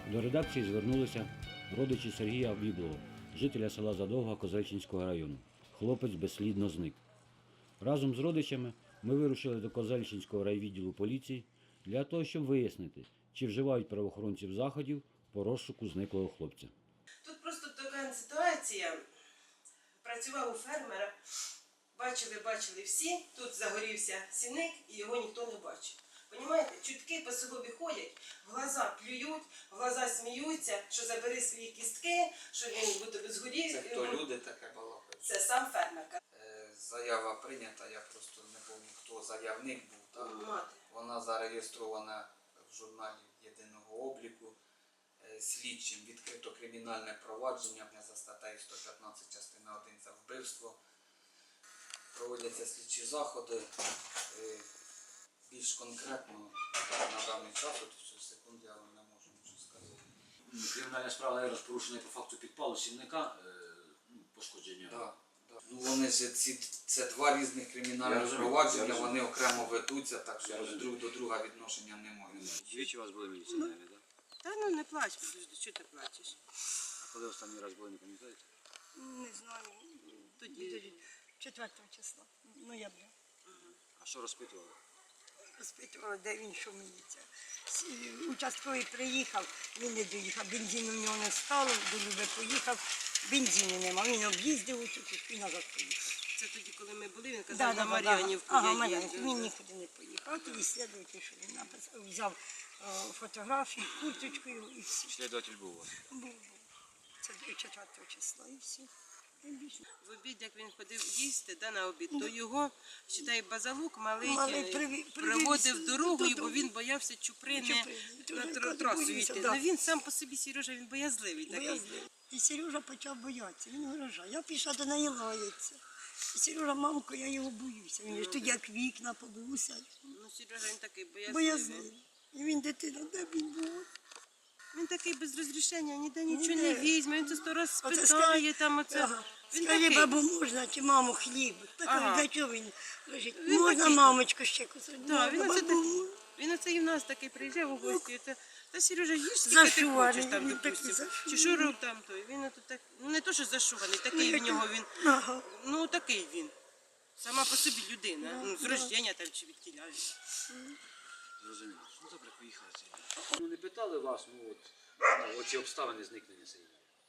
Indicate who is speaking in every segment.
Speaker 1: До редакції звернулися родичі Сергія Біблова, жителя села Задовга Козельчинського району. Хлопець безслідно зник. Разом з родичами ми вирушили до Козельчинського райвідділу поліції для того, щоб вияснити, чи вживають правоохоронців заходів по розшуку зниклого хлопця.
Speaker 2: Тут просто така ситуація. Працював у фермера, бачили всі, тут загорівся сіник і його ніхто не бачив. Понімаєте, чутки по селові ходять, в глаза плюють, в глаза сміються, що забери свої кістки, що він буде згорів.
Speaker 3: Це хто люди таке балакають?
Speaker 2: Це сам фермер.
Speaker 3: Заява прийнята, я просто не пам'ятаю, хто заявник був. Так?
Speaker 2: Мати.
Speaker 3: Вона зареєстрована в журналі єдиного обліку. Слідчим відкрито кримінальне провадження за статтею 115 частина 1 за вбивство. Проводяться слідчі заходи. Більш конкретно на даний час, от в цю секунду я вам не можу нічого сказати.
Speaker 4: Кримінальна справа розпорушена по факту підпалу сінника, пошкодження.
Speaker 3: Да. Ну, вони ж це два різних кримінальних провадження, вони окремо ведуться, так що друг до друга відношення немає.
Speaker 4: Двічі у вас були міліціонери, так?
Speaker 2: Та ну не плач, подожди, що ти плачеш?
Speaker 4: А коли останній раз були, не пам'ятаєте?
Speaker 2: Не знаю. Тоді
Speaker 5: 4 числа, ноября.
Speaker 4: А що розпитували?
Speaker 5: Розпитувала, де він, що міліція. Участковий приїхав, він не доїхав, бензину в нього не стало, до Люби поїхав, бензину нема, він об'їздив тут і назад поїхав.
Speaker 2: Це тоді, коли ми були, він казав, на Мар'янівку.
Speaker 5: Ага, Мар'янівку, він нікуди не поїхав. А тоді слідуючий, що він написав, взяв фотографію, курточку і все.
Speaker 4: Слідуватель був у вас?
Speaker 5: Був. Це 4 числа і все.
Speaker 2: В обід, як він ходив їсти, на обід, то його, считай, базалук малий проводив дорогою, бо він боявся чуприни на трасу йти. Ну він сам по собі, Сережа, він боязливий такий.
Speaker 5: І Сережа почав боятися, він виражає. Я пішла до неї лається. І Сережа, мамко, я його боюся. Він ж тоді як вікна побувся.
Speaker 2: Ну Сережа, він такий боязливий.
Speaker 5: Боязливий. І він дитина, де він був?
Speaker 2: Він такий без розрішення, ніде нічого не візьме, він це 100 раз
Speaker 5: Оце
Speaker 2: спитає, там оце.
Speaker 5: Ага.
Speaker 2: Він
Speaker 5: Скажи,
Speaker 2: такий.
Speaker 5: бабу, можна чи маму хліб? Так,
Speaker 2: Ага.
Speaker 5: для чого він лежить?
Speaker 2: Він
Speaker 5: Можна,
Speaker 2: такий.
Speaker 5: мамочку, ще кусок?
Speaker 2: Да, він оце
Speaker 5: бабу.
Speaker 2: він оце і в нас такий приїжджав у гості. Та Сережа, їж скільки ти
Speaker 5: Зашуваний,
Speaker 2: хочеш там,
Speaker 5: він такий
Speaker 2: допустим.
Speaker 5: зашуваний.
Speaker 2: Чи що роб там той. Він ото так, ну не то, що зашуваний, такий в нього він.
Speaker 5: Ага.
Speaker 2: Ну такий він. Сама по собі людина. Ну, з рождення там чи від тіля.
Speaker 4: Зрозуміло. Ну добре, поїхали. Ну не питали вас, оці обставини зникнення Сергія?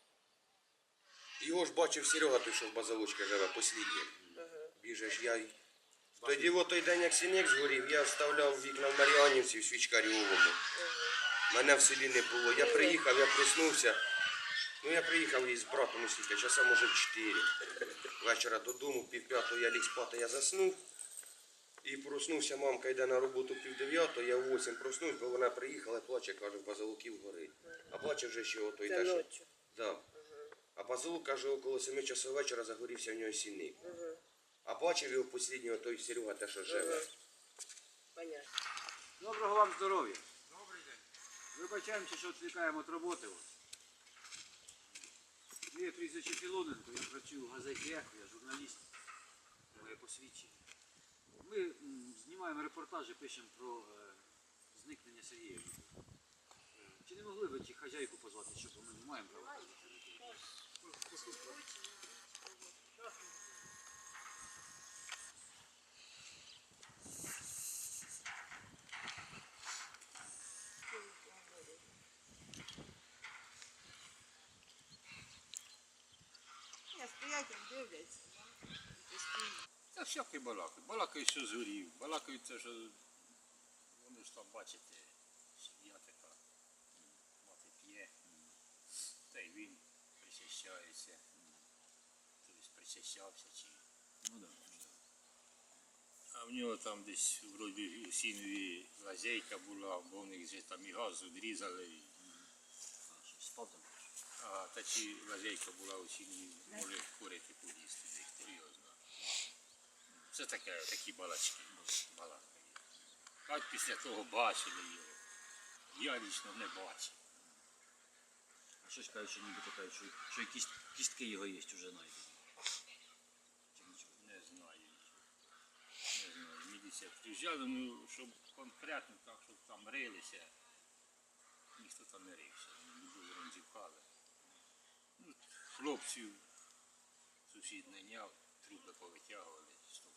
Speaker 6: Його ж бачив Серега, той, що в базалочці живе, послідній. Біжиш, я й... Тоді в той день, як сінек згорів, я вставляв вікна в Мар'янівці, в Свічкарьовому. Мене в селі не було. Я приїхав, я проснувся. Ну, я приїхав із братом у скільки, часа, може, в 4. Вечора додому, 5:30 я ліг спати, я заснув. І проснувся, мамка йде на роботу 8:30, я в 8 проснувся, бо вона приїхала, плаче, каже, в базалуків горить. А плаче вже ще ото йде.
Speaker 2: ночі.
Speaker 6: Да. А базалук, каже, около 7 часов вечора загорівся в нього сінник. А бачив його посліднього той Серега, те, що живе.
Speaker 2: Понятно.
Speaker 4: Доброго вам здоров'я. Добрий день. Вибачаємося, що відвлікаємо від роботи. Моє прізвище Філоненко, я працюю в газеті «Ехо», я журналіст, моє посвідчення. Ми знімаємо репортажі, пишемо про зникнення Сергія. Чи не могли ви ті хазяйку позвати, щоб ми не маємо права?
Speaker 2: Я стоять, як дивляться.
Speaker 7: Та всякий балакають. Балакають, що згорів. Балакають це, що вони ж там, бачите, сім'я така, мати п'є, та й він причащається. Тобто причащався чи.
Speaker 4: Ну так.
Speaker 7: А в нього там десь вроді у сінові лазейка була, бо в них вже там і газ відрізали.
Speaker 4: Спав там.
Speaker 7: А та чи лазейка була у сінові, може курити поїсти, хто його знає. Це такі балачки, балакають. А після того бачили його. Я лічно не бачив.
Speaker 4: А щось кажуть, що нібито кажуть, що якісь кістки його є вже знайдені.
Speaker 7: Не знаю. Не знаю. Міліція приїжджала, ну, щоб конкретно так, щоб там рилися. ніхто там не рився, любили ронзівкали. Ну, хлопців сусід не няв, трупи повитягували, 100